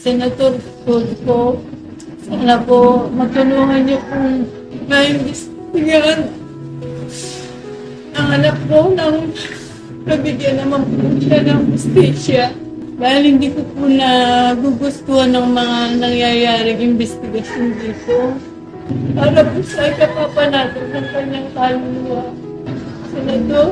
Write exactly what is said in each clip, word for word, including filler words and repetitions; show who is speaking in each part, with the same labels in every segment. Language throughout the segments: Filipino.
Speaker 1: Senator Tulfo, sana po matulungan niyo kung maimbestigahan ang anak ko nang nabigyan naman po siya ng justisya. Dahil hindi ko po nagugustuhan ng mga nangyayaring investigasyon dito. Para po sa ikapapanatag ng kanyang kaluluwa. Senator,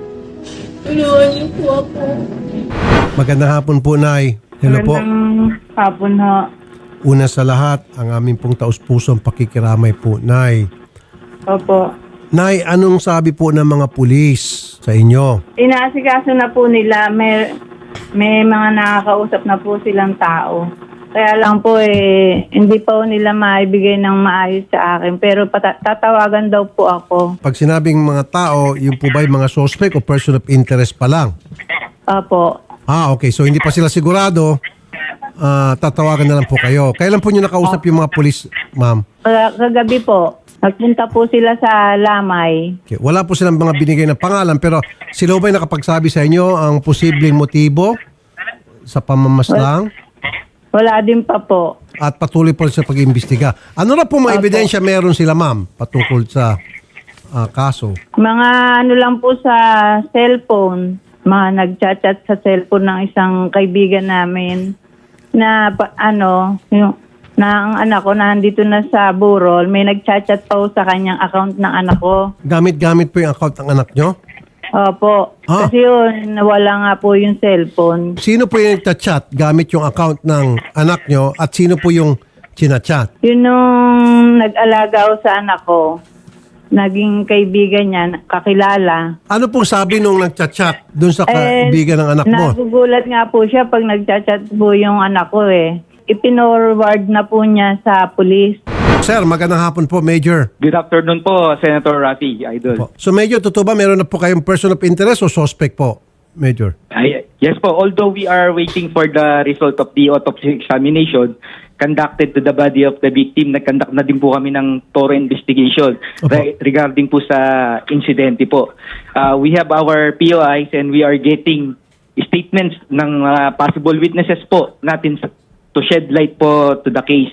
Speaker 1: tulungan niyo po ako.
Speaker 2: Magandang hapon po, Nay. Hello po.
Speaker 3: Magandang hapon ho.
Speaker 2: Una sa lahat, ang aming pong taus-pusong pakikiramay po, Nay.
Speaker 3: Opo.
Speaker 2: Nay, anong sabi po ng mga pulis sa inyo?
Speaker 3: Inaasikaso na po nila. May, may mga nakakausap na po silang tao. Kaya lang po eh, hindi pa po nila maibigay ng maayos sa akin. Pero pata- tatawagan daw po ako.
Speaker 2: Pag sinabing mga tao, yung po ba yung mga suspect o person of interest pa lang?
Speaker 3: Opo.
Speaker 2: Ah, okay. So, hindi pa sila sigurado. Ah, tatawagan na lang po kayo. Kailan po nyo nakausap yung mga pulis, ma'am?
Speaker 3: Kag- Kagabi po, nagpunta po sila sa Lamay.
Speaker 2: Okay. Wala po silang mga binigay na pangalan, pero sila ba'y nakapagsabi sa inyo ang posibleng motibo sa pamamaslang?
Speaker 3: Wala din pa po.
Speaker 2: At patuloy po sa pag-iimbestiga. Ano na po mga
Speaker 3: Opo.
Speaker 2: ebidensya meron sila, ma'am, patungkol sa ah, kaso?
Speaker 3: Mga ano lang po sa cellphone. Mga nagchat-chat sa cellphone ng isang kaibigan namin na pa, ano, yung, na ang anak ko na nandito na sa Burol, may nagchat-chat pa po sa kanyang account ng anak ko.
Speaker 2: Gamit-gamit po yung account ng anak nyo?
Speaker 3: Opo.
Speaker 2: Ah.
Speaker 3: Kasi yun, nawala nga po yung cellphone.
Speaker 2: Sino po yung nagchat gamit yung account ng anak nyo at sino po yung chinachat?
Speaker 3: Yun nung nag-alaga ko sa anak ko, naging kaibigan niya, kakilala.
Speaker 2: Ano pong sabi nung nagchat-chat dun sa
Speaker 3: Eh,
Speaker 2: kaibigan ng anak mo?
Speaker 3: Nagugulat nga po siya pag nagchat-chat po yung anak ko eh. Ipinorward na po niya sa pulis.
Speaker 2: Sir, magandang hapon po, Major.
Speaker 4: Good afternoon po, Senator Rafi, Idol.
Speaker 2: Po. So Major, totoo ba meron na po kayong person of interest o suspect po, Major?
Speaker 4: Ay, yes po, although we are waiting for the result of the autopsy examination conducted to the body of the victim, nag-conduct na din po kami ng thorough investigation
Speaker 2: Opo.
Speaker 4: re- regarding po sa insidente po. Uh, we have our P O Is and we are getting statements ng uh, possible witnesses po natin sa- to shed light po to the case.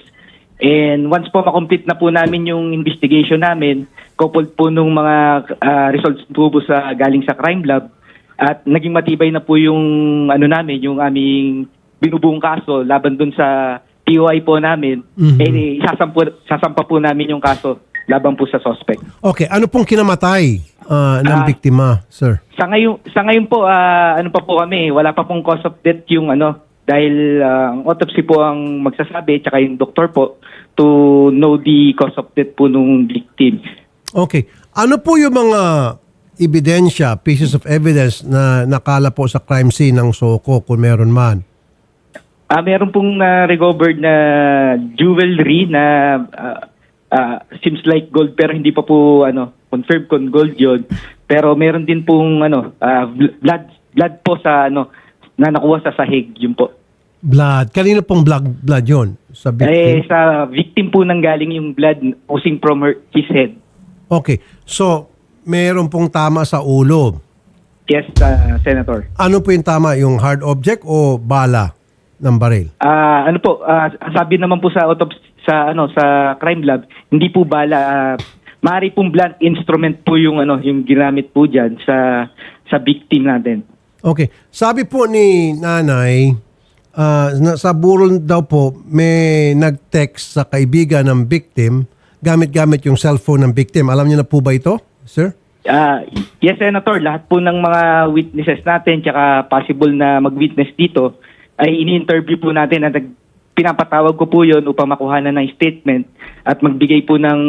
Speaker 4: And once po makomplete na po namin yung investigation namin, coupled po nung mga uh, results po, po sa galing sa crime lab, at naging matibay na po yung ano namin, yung aming binubuong kaso laban dun sa P O I po namin,
Speaker 2: Mhm.
Speaker 4: eh sasampo, sasampa po namin yung kaso laban po sa suspect.
Speaker 2: Okay, ano pong kinamatay ah, ng
Speaker 4: Ah.
Speaker 2: biktima, sir?
Speaker 4: Sa ngayon, sa ngayon po, ah, ano pa po kami, wala pa pong cause of death yung ano, dahil ah, ang autopsy po ang magsasabi, tsaka yung doktor po, to know the cause of death po nung victim.
Speaker 2: Okay. Ano po yung mga ebidensya, pieces of evidence na nakala po sa crime scene ng Soko kung meron man?
Speaker 4: Ah, meron pong na-recovered na jewelry na ah, ah, seems like gold pero hindi pa po ano confirmed kung gold yon. Pero meron din pong ano ah, blood blood po sa ano na nakuha sa sahig yun po.
Speaker 2: Blood. Kanino pong blood, blood yun? Sa
Speaker 4: Eh
Speaker 2: victim?
Speaker 4: sa victim po nang galing yung blood oozing from her, his head.
Speaker 2: Okay. So, meron pong tama sa ulo.
Speaker 4: Yes, ah, Senator.
Speaker 2: Ano po yung tama? Yung hard object o bala ng baril?
Speaker 4: Ah, ano po, ah, sabi naman po sa autopsy sa ano sa crime lab, hindi po bala, ah, maaari pong blunt instrument po yung ano yung ginamit po diyan sa sa victim natin.
Speaker 2: Okay. Sabi po ni nanay, ah, na, sa burol daw po, may nag-text sa kaibigan ng victim gamit-gamit yung cellphone ng victim. Alam niyo na po ba ito, sir?
Speaker 4: Ah, yes, Senator, lahat po ng mga witnesses natin tsaka possible na mag-witness dito ay ini-interview po natin at nag- pinapatawag ko po yon upang makuha na ng statement at magbigay po ng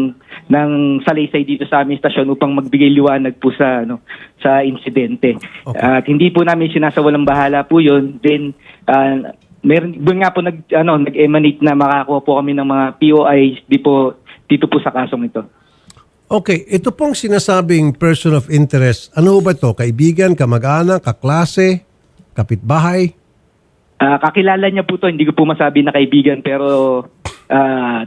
Speaker 4: ng salaysay dito sa aming stasyon upang magbigay liwanag po sa ano sa insidente.
Speaker 2: Okay.
Speaker 4: At hindi po namin sinasawalang bahala po yon. Then ah, meron doon nga po nag ano nag-emanate na makakuha po kami ng mga P O Is di po dito po sa kasong ito.
Speaker 2: Okay. Ito pong sinasabing person of interest, ano ba ito? Kaibigan, kamag-anak, kaklase, kapitbahay?
Speaker 4: Ah, kakilala niya po to, hindi ko po masabi na kaibigan pero ah,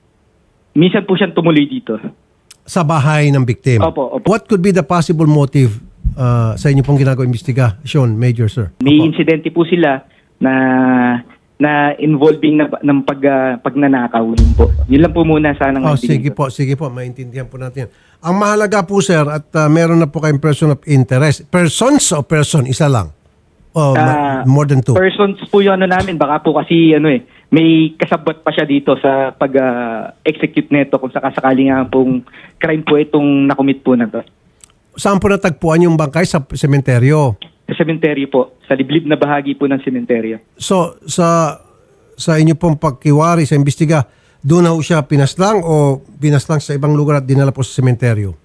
Speaker 4: minsan po siyang tumuloy dito.
Speaker 2: Sa bahay ng victim?
Speaker 4: Opo, opo.
Speaker 2: What could be the possible motive uh, sa inyo pong ginagawa investigasyon, Major Sir?
Speaker 4: May
Speaker 2: Opo.
Speaker 4: insidente po sila na na involving na, ng pag, ah, pagnanakaw. Yun po. Yun lang po muna sana.
Speaker 2: Oh, sige po, sige po, maintindihan po natin. Ang mahalaga po sir, at uh, meron na po kayong person of interest. Persons o person? Isa lang? O ma-
Speaker 4: Ah,
Speaker 2: more than two?
Speaker 4: Persons po yung ano namin. Baka po kasi ano eh, may kasabot pa siya dito sa pag-execute nito kung sakasakali nga pong crime po itong nakumit po na to.
Speaker 2: Saan po natagpuan yung bangkay? Sa sementeryo?
Speaker 4: Sa sementeryo po, sa liblib na bahagi po ng sementeryo.
Speaker 2: So, sa sa inyo pong pagkiwari sa imbestiga, doon na ho siya pinaslang o pinaslang sa ibang lugar at dinala po sa sementeryo?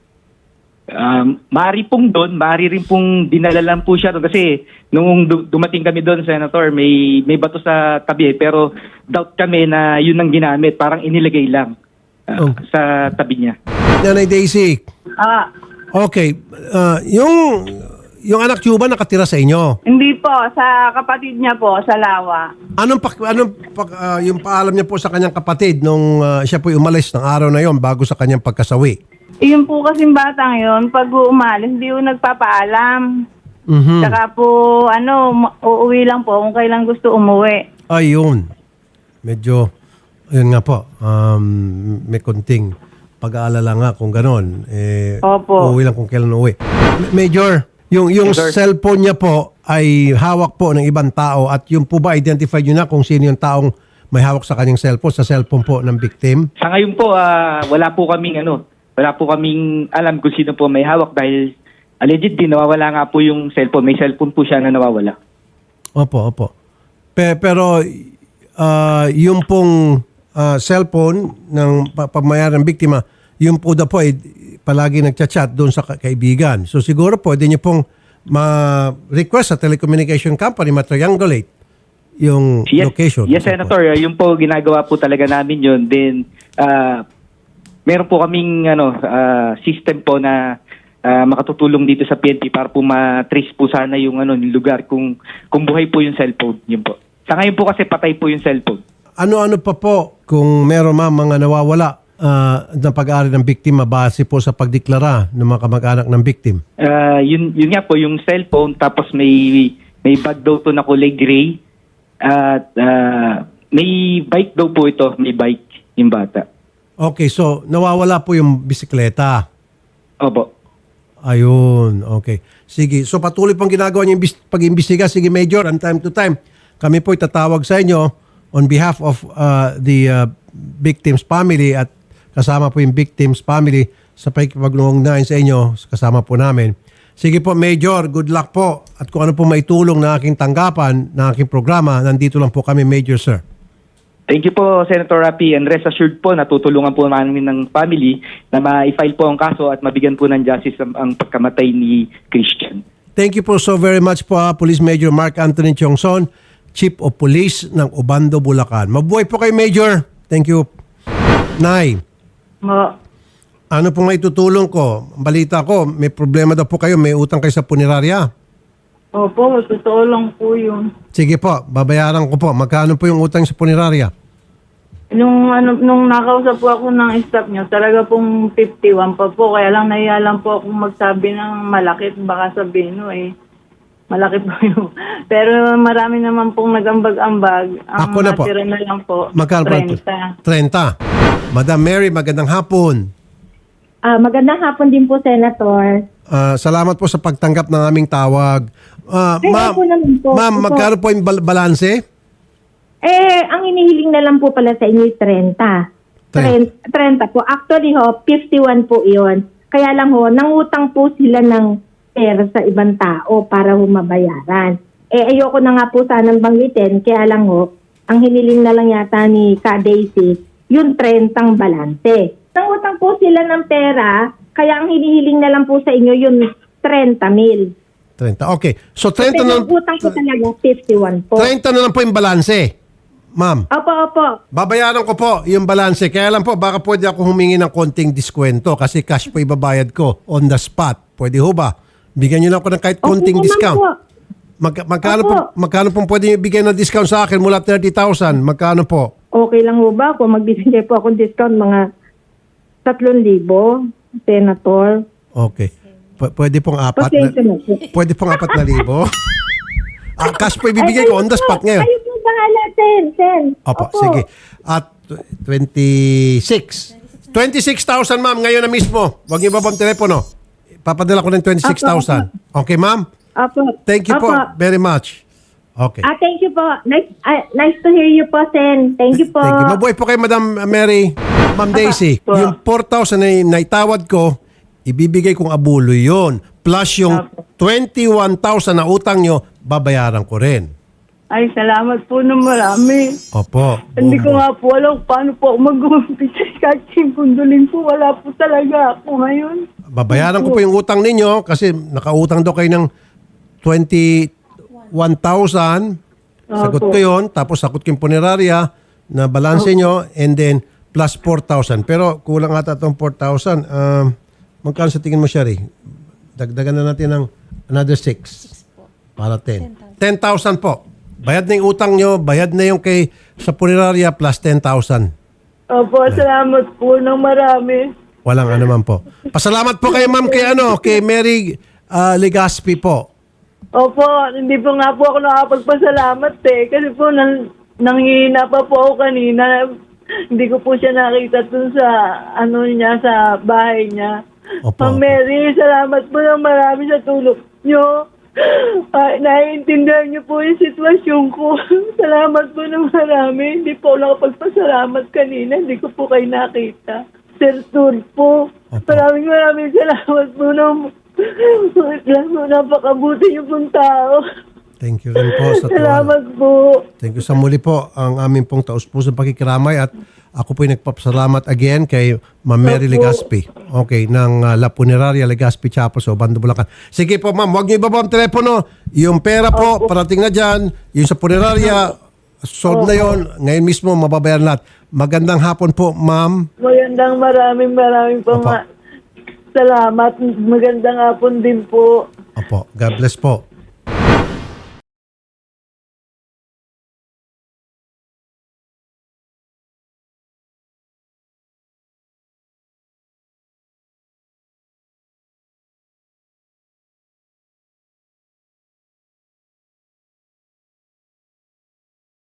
Speaker 4: Um, maaari pong doon, maaari rin pong dinala lang po siya doon kasi nung du- dumating kami doon, Senator, may may bato sa tabi eh, pero doubt kami na yun ang ginamit, parang inilagay lang uh,
Speaker 2: Oh.
Speaker 4: sa tabi niya.
Speaker 2: Nanay Daisy,
Speaker 3: Ah,
Speaker 2: okay, uh, yung yung anak niyo ba nakatira sa inyo?
Speaker 3: hindi po, sa kapatid niya po, sa Lawa.
Speaker 2: Anong pak, anong pak, ah, yung paalam niya po sa kanyang kapatid nung ah, siya po umalis ng araw na yon bago sa kanyang pagkasawi?
Speaker 3: Yun po kasing batang yun, pag umalis, hindi po nagpapaalam.
Speaker 2: Mhm.
Speaker 3: Saka po, ano, ma- uuwi lang po kung kailan gusto umuwi.
Speaker 2: Ayun. Medyo, ayun nga po, um, may konting pag-aalala nga kung ganon. Eh,
Speaker 3: Opo.
Speaker 2: uuwi lang kung kailan uuwi. Ma- Major, yung, yung
Speaker 4: Yes, sir.
Speaker 2: cellphone niya po ay hawak po ng ibang tao at yung po ba identify niyo na kung sino yung taong may hawak sa kanyang cellphone, sa cellphone po ng victim?
Speaker 4: Sa ngayon po, ah, wala po kaming ano, wala po kaming alam kung sino po may hawak dahil allegedly nawawala nga po yung cellphone. May cellphone po siya na nawawala.
Speaker 2: Opo, opo. Pe, pero ah, yung pong ah, cellphone ng pa- pamayaran ng biktima, yung po daw po ay palagi nagchat-chat doon sa ka- kaibigan. So siguro po, pwede niyo pong ma-request sa telecommunication company, ma-triangulate yung
Speaker 4: Yes,
Speaker 2: location.
Speaker 4: yes, Senator. Uh, Yung po ginagawa po talaga namin yun. Then, uh, meron po kaming ano, uh, system po na uh, makatutulong dito sa P N P para po ma-trace po sana yung ano, yung lugar kung, kung buhay po yung cellphone. Yun po. Sa ngayon po kasi patay po yung cellphone.
Speaker 2: Ano-ano pa po kung meron ma mga nawawala ah, na pag-aari ng biktima base po sa pagdeklara ng mga kamag-anak ng victim?
Speaker 4: Uh, yun, yun nga po, yung cellphone, tapos may, may bag daw to na kulay gray. At uh, may bike daw po ito, may bike yung bata.
Speaker 2: Okay, so nawawala po yung bisikleta.
Speaker 4: Opo.
Speaker 2: Ayun, okay. Sige, so patuloy pong ginagawa niyo yung bis- pag-imbestiga. Sige, Major, and time to time, kami po itatawag sa inyo on behalf of uh, the uh, victim's family at kasama po yung victim's family sa pagkipagluhong sa inyo, kasama po namin. Sige po, Major, good luck po. At kung ano po maitulong na aking tanggapan, na aking programa, nandito lang po kami, Major, sir.
Speaker 4: Thank you po, Senator Rapi, and rest assured po, natutulungan po namin ng family na ma-file po ang kaso at mabigyan po ng justice ang, ang pagkamatay ni Christian.
Speaker 2: Thank you po so very much po, ah, Police Major Mark Anthony Tiongson, Chief of Police ng Obando, Bulacan. Mabuhay po kay Major. Thank you. Nay,
Speaker 3: Mo,
Speaker 2: ano pong maitutulong ko? Ang balita ko, may problema daw po kayo, may utang kayo sa punerarya.
Speaker 3: opo, totoo lang po yun.
Speaker 2: Sige po, babayaran ko po. Magkano po yung utang sa punerarya?
Speaker 3: Nung, ano, nung nakausap po ako ng staff niyo, talaga pong fifty-one pa po. Kaya lang nahiya lang po akong magsabi ng malaki. Baka sabihin no eh. Malaki po yun. Pero marami naman pong nagambag-ambag. Ang
Speaker 2: Ako na po.
Speaker 3: natira na lang po,
Speaker 2: Magkano po?
Speaker 3: thirty.
Speaker 2: thirty. Madam Mary, magandang hapon.
Speaker 5: Ah, magandang hapon din po, Senator.
Speaker 2: Ah, salamat po sa pagtanggap ng aming tawag. Ah,
Speaker 5: Ay,
Speaker 2: ma'am,
Speaker 5: ako naman po.
Speaker 2: ma'am,
Speaker 5: Opo.
Speaker 2: magkano po yung bal- balanse?
Speaker 5: Eh, ang inihiling na lang po pala sa inyo ay thirty.
Speaker 2: Tre-
Speaker 5: thirty po. Actually ho, fifty-one po iyon. Kaya lang ho, nangutang po sila ng pera sa ibang tao para ho mabayaran. Eh, ayoko na nga po sanang banggitin. Kaya lang ho, ang hiniling na lang yata ni Ka Daisy, yung thirty ang balanse. Nangutang po sila ng pera, kaya ang hinihiling na lang po sa inyo yung thirty mil.
Speaker 2: thirty. Okay. So thirty
Speaker 5: Pero
Speaker 2: na,
Speaker 5: ang utang ko talaga, fifty-one po.
Speaker 2: thirty na lang po yung balanse. Ma'am,
Speaker 5: Opo, opo.
Speaker 2: babayaran ko po yung balanse. Kaya lang po, baka pwede ako humingi ng konting diskwento kasi cash po ibabayad ko on the spot. Pwede ho ba? Bigyan niyo lang ako ng kahit konting
Speaker 5: naman
Speaker 2: discount.
Speaker 5: po.
Speaker 2: Mag, magkano, po,
Speaker 5: Opo.
Speaker 2: magkano po pwede niyo bigyan ng discount sa akin mula thirty thousand? Magkano po?
Speaker 5: Okay lang ho ba kung magbibigay po akong discount mga tatlong libo, Senator?
Speaker 2: Okay. P- pwede pong apat na,
Speaker 5: Pasensya na po.
Speaker 2: pwede pong apat na libo? Ah, cash po ibibigay ko on the spot ngayon.
Speaker 5: Kayo po bahala, Sen, Sen.
Speaker 2: Opo, sige. At twenty-six. twenty-six thousand, ma'am, ngayon na mismo. Huwag niyo ba pong telepono? Papadala ko ng twenty-six thousand. Okay, ma'am?
Speaker 5: Opo.
Speaker 2: Thank you po
Speaker 5: Opo.
Speaker 2: very much. Okay.
Speaker 5: Ah, thank you po. Nice, ah, nice to hear you po, Sen. Thank you po.
Speaker 2: Thank you. Mabuhay po kay Madam Mary. Ma'am Daisy,
Speaker 3: Po.
Speaker 2: yung four thousand na naitawad ko, ibibigay kong abulo yon. Plus yung twenty-one thousand na utang nyo, babayaran ko rin.
Speaker 3: Ay, salamat po ng marami.
Speaker 2: Opo.
Speaker 3: Hindi ko nga po alam paano po ako mag-umpisa. Kahit kundulin po, wala po talaga ako ngayon.
Speaker 2: Babayaran ko po yung utang ninyo kasi nakautang daw kayo ng twenty-one thousand. Sagot ko yun. Tapos sagot ko yung punerarya na balanse nyo and then plus four thousand. Pero kulang ata itong four thousand. Um, magkano sa tingin mo, Shari? Dagdagan na natin ng another six. Para ten. ten thousand po. Bayad na yung utang nyo, bayad na yung kay sa punerarya plus ten thousand.
Speaker 3: Opo, salamat po ng marami.
Speaker 2: Walang ano man po. Pasalamat po kay ma'am kay ano, kay Mary ah, Legaspi po.
Speaker 3: Opo, hindi po nga po ako nakapagpasalamat eh. Kasi po, nang, nanghihina pa po ako kanina. Hindi ko po siya nakita dun sa, ano niya, sa bahay niya.
Speaker 2: Opo,
Speaker 3: Ma'am
Speaker 2: opo.
Speaker 3: Mary, salamat po ng marami sa tulong niyo. Ay, naiintindihan niyo po yung sitwasyon ko. Salamat po ng marami. Hindi po ako nakapagpasalamat kanina. Hindi ko po kayo nakita. Sir Tulfo,
Speaker 2: Opo.
Speaker 3: maraming maraming salamat po ng napakabuti niyo pong tao.
Speaker 2: Thank you rin po sa
Speaker 3: Salamat
Speaker 2: tuwala.
Speaker 3: po.
Speaker 2: Thank you sa muli po ang aming pong taus-pusong pakikiramay at ako po ay nagpapasalamat again kay Ma'am Mary Legaspi. Okay, ng uh, La Funeraria Legaspi Chapel sa Obando, Bulacan. Sige po ma'am, huwag niyo ibaba ang telepono. Yung pera po, parating na dyan. Yung sa funeraria, solved na yon. Ngayon mismo, mababayaran lahat. Magandang hapon po, ma'am.
Speaker 3: Magandang maraming maraming po
Speaker 2: Opo.
Speaker 3: ma- salamat. Magandang hapon din po.
Speaker 2: Opo, God bless po.